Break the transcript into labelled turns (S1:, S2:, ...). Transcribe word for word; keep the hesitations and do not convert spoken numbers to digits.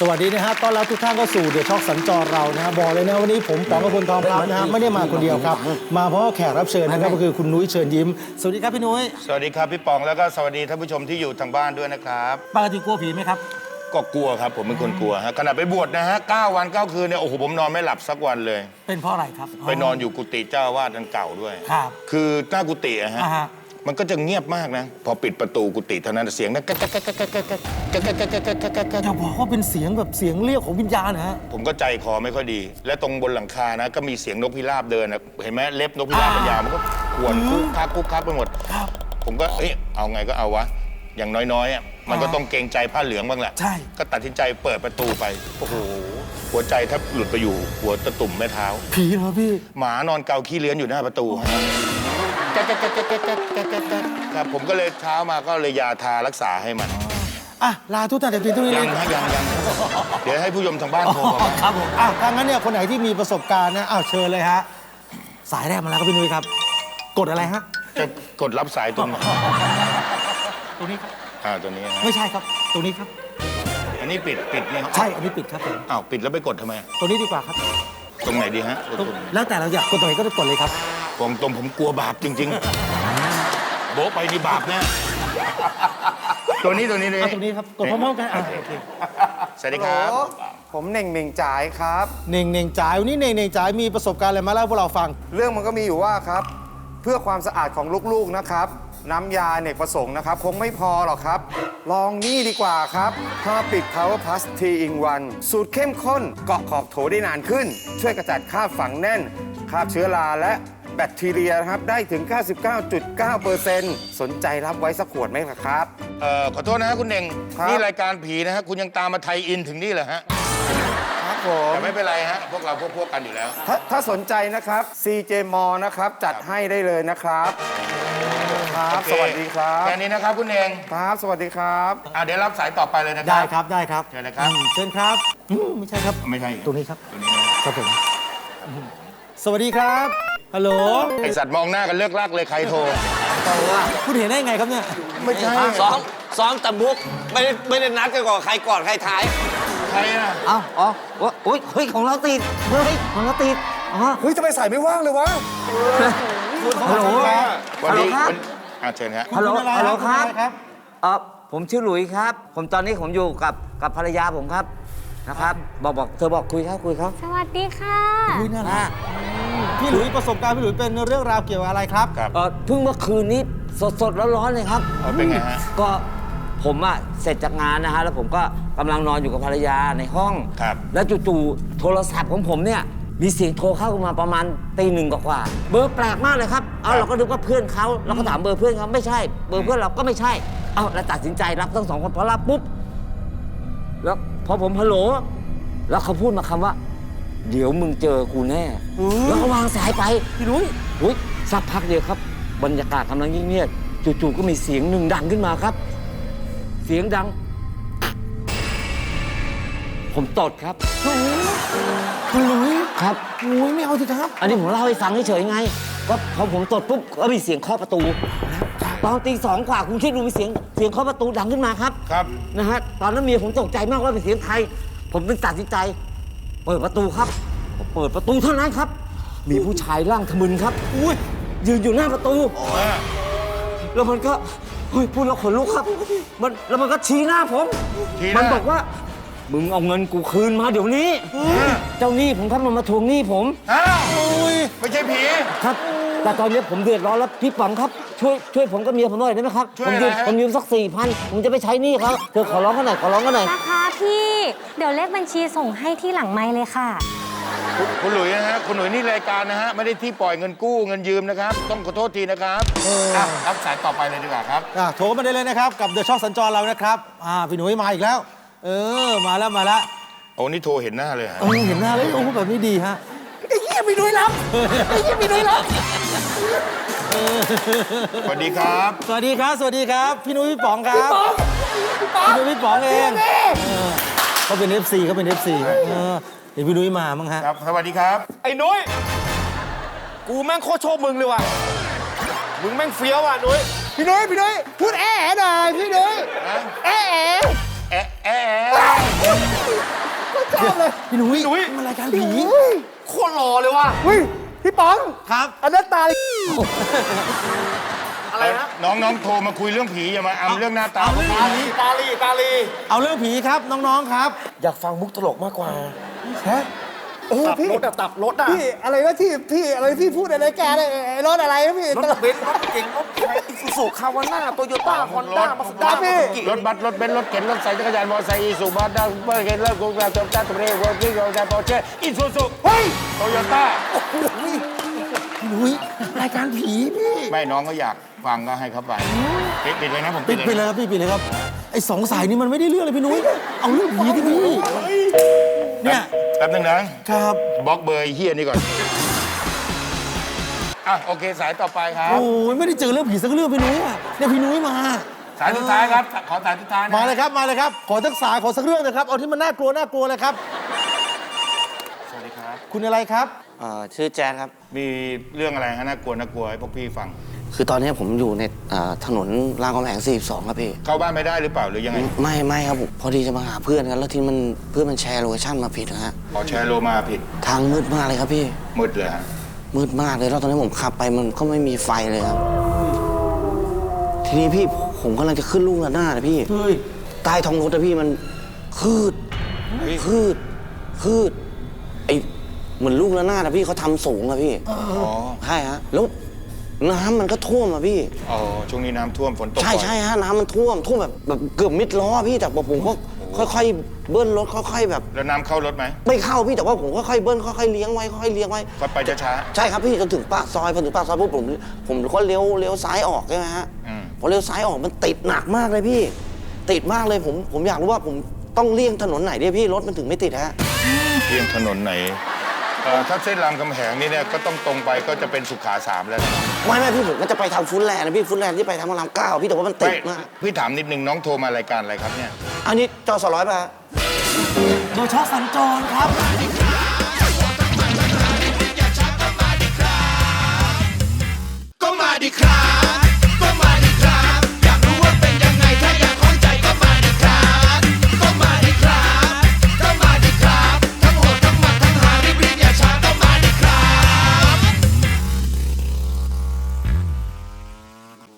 S1: สวัสดีนะฮะต้อนรับทุกท่านเข้าสู่เดอะช็อคสัญจรเรานะฮะบอกเลยนะวันนี้ผมป๋องกพลทองพลับนะฮะไม่ได้มาคนเดียวครับมาเพราะแขกรับเชิญนะครับก็คือคุณนุ้ยเชิญยิ้มสวัสดีครับพี่นุ้ย
S2: สวัสดีครับพี่ป๋องแล้วก็สวัสดีท่านผู้ชมที่อยู่ทางบ้านด้วยนะครับ
S1: ปกติกลัวผีไหมครับ
S2: ก็กลัวครับผมเป็นคนกลัวฮะขณะไปบวชนะฮะเก้าวันเก้าคืนเนี่ยโอ้โหผมนอนไม่หลับสักวันเลย
S1: เป็นเพราะอะไรครับ
S2: ไปนอนอยู่กุฏิเจ้าอาวาสอันเก่าด้วย
S1: ครับ
S2: คือหน้ากุฏิอะฮะมันก็จะเงียบมากนะพอปิดประตูกุฏิเท่านั้นเสียงนะ
S1: จะบอกว่าเป็นเสียงแบบเสียงเรียกของวิญญาณนะฮะ
S2: ผมก็ใจคอไม่ค่อยดีและตรงบนหลังคานะก็มีเสียงนกพิราบเดินนะเห็นไหมเล็บนกพิราบมันยาวมันก็ขวนคุกคักคุกคักไปหมดผมก็เอ้ยเอาไงก็เอาวะอย่างน้อยๆอ่ะมันก็ต้องเกรงใจผ้าเหลืองบ้างแหละ
S1: ใช่
S2: ก็ตัดสินใจเปิดประตูไปโอ้โหหัวใจแทบหลุดไปอยู่หัวตะตุ่มแม่เท้า
S1: ผีเหรอพี่
S2: หมานอนเกาขี้เลื้อนอยู่หน้าประตูครับผมก็เลยเช้ามาก็เลยยาทารักษาให้มัน
S1: อ่ะลาทุกท่านแต่เพียงเท่านี้
S2: ยังฮะยังยังเดี๋ยวให้ผู้ชมทางบ้านโทรมา
S1: ครับผมอ่ะถ้างั้นเนี่ยคนไหนที่มีประสบการณ์นะอ้าวเชิญเลยฮะสายแรกมาแล้วครับพี่นุ้ยครับกดอะไรฮะ
S2: จะกดรับสายตรงไหน
S1: ตรงนี้ครับ
S2: อ่าตัวนี้
S1: ไม่ใช่ครับตรงนี้ครับ
S2: อันนี้ปิดปิดเนี่ย
S1: ใช่อันนี้ปิดครับผม
S2: อ้าวปิดแล้วไปกดทำไม
S1: ตรงนี้ดีกว่าครับ
S2: ตรงไหนดีฮะ
S1: แล้วแต่เราอยากกดตรงไหนก็กดเลยครับ
S2: กองตรงผมกลัวบาปจริงๆโบ๊ะไปนี่บาปแน่ตัวนี้ตัวนี้เลย
S1: ตรงนี้ครับกดพร้อมๆกันโอเค
S2: สวัสดีครับ
S3: ผมเน่งเน่งจ่ายครับ
S1: เน่งเน่งจ่ายวันนี้เน่งเน่งจ่ายมีประสบการณ์อะไรมาเล่าพวกเราฟัง
S3: เรื่องมันก็มีอยู่ว่าครับเพื่อความสะอาดของลูกๆนะครับน้ำยาเนกประสงค์นะครับคงไม่พอหรอกครับลองนี่ดีกว่าครับผ้าปิด Power Plus ทรี in วันสูตรเข้มข้นเกาะขอบโถได้นานขึ้นช่วยกระจัดคราบฝังแน่นคราบเชื้อราและแบคทีเรียนะครับได้ถึง เก้าสิบเก้าจุดเก้าเปอร์เซ็นต์ สนใจรับไว้สักขวดไหมครับ
S2: เอ่อขอโทษนะฮะคุณเน่งนี่รายการผีนะฮะคุณยังตามมาไทยอินถึงนี่เหรอฮะ
S3: ครับผม
S2: แต่ไม่เป็นไรฮะพวกเราพวกพวกกันอยู่แล้ว
S3: ถ้าถ้าสนใจนะครับ ซี เจ Mall นะครับจัดให้ได้เลยนะครับครับสวัสดีครับ
S2: แค่นี้นะครับคุณเน่ง
S3: ครับสวัสดีครับ
S2: อ่ะเดี๋ยวรับสายต่อไปเลยนะครับ
S1: ได้ครับได้ครับ
S2: เชิญเลยครับ
S1: เชิญครับไม่ใช่ครับ
S2: ไม่ใช่
S1: ตรงนี้ครับ
S2: ตรงนี้นะครับ
S1: ผมสวัสดีครับฮัลโหล
S2: ไอสัตว์มองหน้ากันเลิกลักเลยใครโทร
S1: คุณเห็นได้ไงครับเนี่ย
S2: ไม่ใช่
S4: ซ้อมซ้อมตะบุกไม่ได้ไม่ได้นัดกันก่อนใครก่อนใครท้าย
S2: ใครอ่ะ
S1: เอ้าอ๋อโอ้ยเฮ้ยของเราติดเฮ้ยของเราติดอ๋อ
S3: เฮ้ยจะไปใส่ไม่ว่างเลยวะ
S1: ฮัลโหล
S2: ฮัลโหลครับอ่ะเชิญครับ
S1: ฮัลโหลฮัลโหลครับ
S5: เออผมชื่อหลุยครับผมตอนนี้ผมอยู่กับกับภรรยาผมครับนะครับบอกบอกเธอบอกคุยครับคุยครับ
S6: สวัสดีค่ะ
S1: คุยน่ารักพี่หลุยประสบการณ์พี่หลุยเป็นเรื่องราวเกี่ยวกับอะไรครับ
S5: เออเพิ่งเมื่อคืนนี้สดสดร้อนๆเลยครับ
S2: เป็นไงฮะ
S5: ก็ผมอะเสร็จจากงานนะฮะแล้วผมก็กำลังนอนอยู่กับภรรยาในห้อง
S2: ครับ
S5: แล้วจู่ๆโทรศัพท์ของผมเนี่ยมีเสียงโทรเข้ามาประมาณตีหนึ่งกว่าเบอร์แปลกมากเลยครับเอาเราก็นึกว่าเพื่อนเขาเราก็ถามเบอร์เพื่อนเขาไม่ใช่เบอร์เพื่อนเราก็ไม่ใช่เอาเราตัดสินใจรับทั้งสองคนพอรับปุ๊บแล้วพอผมฮัลโหลแล้วเขาพูดมาคำว่าเดี๋ยวมึงเจอกูแน่แล้วก็วางสายไป
S1: พี่นุ้ย
S5: อุ้ยสักพักเดียวครับบรรยากาศกำลังเงียบๆจู่ๆก็มีเสียงหนึ่งดังขึ้นมาครับเสียงดังผมตดครับ
S1: คุณลุย
S5: ครับ
S1: โอ้ยไม่เอาสิครับ
S5: อันนี้ผมเล่าให้ฟังเฉยๆไงก็พอผมตดปุ๊บก็มีเสียงเคาะประตูตอนตีสองกว่าคุณคิดดูมีเสียงเสียงเคาะประตูดังขึ้นมาครับ
S2: ครับ
S5: นะฮะตอนนั้นเมียผมตกใจมากว่าเป็นเสียงใครผมจึงตัดสินใจเปิดประตูครับเปิดประตูเท่านั้นครับมีผู้ชายร่างทะมึนครับอุ้ยยืนอยู่หน้าประตูแล้วมันก็เฮ้ยพูดแล้วขนลุกครับมันแล้วมันก็ชี้หน้าผมมันบอกว่ามึงเอาเงินกูคืนมาเดี๋ยวนี้เจ้าหนี้ผมครับมันมาทวงหนี้ผม
S2: อ้าวไม่ใช่ผี
S5: ครับแต่ตอนนี้ผมเดือดร้อนแล้วพี่ป๋องครับช่วยช่วยผมกับเมียผมหน่อยได้ไหมครับผมยืมผมยืมสักสี่พันผมจะไปใช้หนี้เขาเธอขอร้องกันหน่อยขอร้องกันหน่อย
S6: นะคะพี่เดี๋ยวเลขบัญชีส่งให้ที่หลังไมค์เลยค่ะ
S2: คุณหลุยนะฮะคุณหลุยนี่รายการนะฮะไม่ได้ที่ปล่อยเงินกู้เงินยืมนะครับต้องขอโทษทีนะครับรับสายต่อไปเลยดีกว่าครับ
S1: โทรมาได้เลยนะครับกับเดอะช็อคสัญจรเรานะครับอ่าพี่หนุ่ยมาอีกแล้วเออมาแล้วมาแล้ว
S2: โอ้นี่โทรเห็นหน้าเลยฮะ
S1: เห็นหน้าเลยโอ้แบบนี้ดีฮะไอ้เหี้ยพี่หนุ่ยรับไอ้เหี้ยพี่หนุ่ยรับ
S2: สวัสดีครับ
S1: สวัสดีครับสวัสดีครับพี่หนุ่ยพี่ป๋องครับพี่หนุ่ยพี่ป๋องเองเขาเป็น เอฟ ซี เขาเป็น เอฟ ซี เดี๋ยวพี่นุ้ยมามั้งฮะ
S2: ครับสวัสดีครับ
S4: ไอ้นุ้ยกูแม่งโคตรโชคมึงเลยว่ะมึงแม่งเฟี้ยวว่ะนุ้ย
S3: พี่นุ้ยพี่นุ้ยพูดแอ๋หน่อยพี่นุ้ยแอ๋
S2: แอ๋แอ๋
S3: อบเลย
S1: พี่นุ้ย
S4: นุ้ย
S1: มันรายการผี
S4: โคตรหล่อเลยว่ะ
S3: เฮ้ยพี่ป๋อง
S1: ครับ
S3: อันนั้นตา
S4: อะไรนะ
S2: น้องน้องโทรมาคุยเรื่องผีอย่ามาอำเรื่องหน้าตา
S1: เอาเรื่อง
S4: ตาลีตาลีตาลี
S1: เอาเรื่องผีครับน้องๆครับ
S4: อยากฟังมุกตลกมากกว่า
S3: ฮะเออ
S4: ตับ
S3: พี่
S4: รถอะตับรถอะ
S3: พี่อะไรวะที่พี่อะไรพี่พูดอะไรแกเนี่ยไอ้รถอะไรนะพี่
S4: รถเบนซ์รถเก่งรถไฟอิซูซูคาวาน่าโตโยต้าฮอนด้ามาสด้า
S3: พี่
S2: รถบัสรถเบนซ์รถเข็นรถใส่จักรยานมอเตอร์ไซค์อีซูบัสด้าเบอร์เข็นรถกูกระจกจ้าตุเรวอร์กิ้งรถปอร์เช่อีซูซู
S3: เฮ้ย
S2: โตโยต้า
S1: พี่นุ้ยรายการผีพี่
S2: ไม่น้องก็อยากฟังก็ให้เขาไปปิดปิดเลยนะผม
S1: ปิดไปเลยครับพี่ปิดเลยครับไอ้สองสายนี้มันไม่ได้เรื่องเลยพี่นุ้ยเอาเรื่องผีที่พี่เนี่ย
S2: แป๊บนึงนะครับ บล็อกเบอร์ไอ้เฮียนี่ก่อนอ่ะโอเคสายต่อไปครับ
S1: โอ้ยไม่ได้เจอเรื่องผีสักเรื่องพี่นุ้ยอ่ะเนี่ยพี่นุ้ยมา
S2: สายสุดท้ายครับขอสายสุดท้ายนะ
S1: มาเลยครับมาเลยครับขอสักสายขอสักเรื่องนะครับเอาที่มันน่ากลัวน่ากลัวเลยครับ
S2: สวัสดีครับ
S1: คุณอะไรครับ
S7: เอ่อชื่อแจ๊ดครับ
S2: มีเรื่องอะไรฮะน่ากลัวน่ากลัวให้พวกพี่ฟัง
S7: คือตอนนี้ผมอยู่ในเอ่อถนนรามคำแหงสี่สิบสองครับพี่
S2: เข้าบ้านไม่ได้หรือเปล่าหรือยังไง
S7: ไม่ไม่ครับผมพอดีจะมาหาเพื่อนกันแล้วที่มันเพื่อนมันแชร์โลเคชั่นมาผิดนะฮะ
S2: ขอแชร์โลมาผิด
S7: ทางมืดมากเลยครับพี่
S2: มืดเลยฮะ
S7: มืดมากเลยแล้วตอนนี้ผมขับไปมันก็ไม่มีไฟเลยครับ ทีนี้พี่ผมกำลังจะขึ้นลูกระนาดนะพี่
S1: เฮ้ย
S7: ใต้ท้องรถนะพี่มันคืดคืดคืดไอเหมือนลูกระนาดนะพี่เขาทำสูงอะพี่
S2: อ๋อ
S7: ใช่ฮะแล้วน้ำมันก็ท่วมอะพี่
S2: อ๋อช่วงนี้น้ำท่วมฝนตก
S7: ใช่
S2: บ่อย
S7: ใช่ฮะน้ำมันท่วมท่วมแบบแบบเกือบมิดล้อพี่แต่ว่าผมก็ค่อยๆเบิ้ลรถค่อยๆแบบ
S2: แล้วน้ำเข้ารถไหม
S7: ไม่เข้าพี่แต่ว่าผมค่อยๆเบิ้ลค่อยๆเลี้ยงไว้ค่อยๆเลี้ยงไว้
S2: ก็ไปช้า
S7: ใช่ครับพี่จนถึงปากซอยพอถึงปากซอยปุ๊บผมผมก็เลี้ยวเลี้ยวซ้ายออกใช่ไหมฮะ
S2: อืม
S7: พอเลี้ยวซ้ายออกมันติดหนักมากเลยพี่ ติดมากเลยผมผมอยากรู้ว่าผมต้องเลี่ยงถนนไหนดีพี่รถมันถึงไม่ติดฮะ
S2: ๆเพียงถนนไหนเอ่อถ้าเส้นรามคำแหงนี่เนี่ยก็ต้องตรงไปก็จะเป็นสุขาสามแล้วนะ
S7: ไม่ไม่พี่ผมก็จะไปทางฟุตแลนด์นะพี่ฟุตแลนด์ที่ไปทางพระรามเก้าพี่แต่ว่ามันติ
S2: ไม่
S7: ดมาก
S2: พี่ถามนิดนึงน้องโทรมารายการอะไรครับเนี่ย
S7: อันนี้จอสร้อยป่ะฮะ
S1: โดยช็อกสัญจรครับ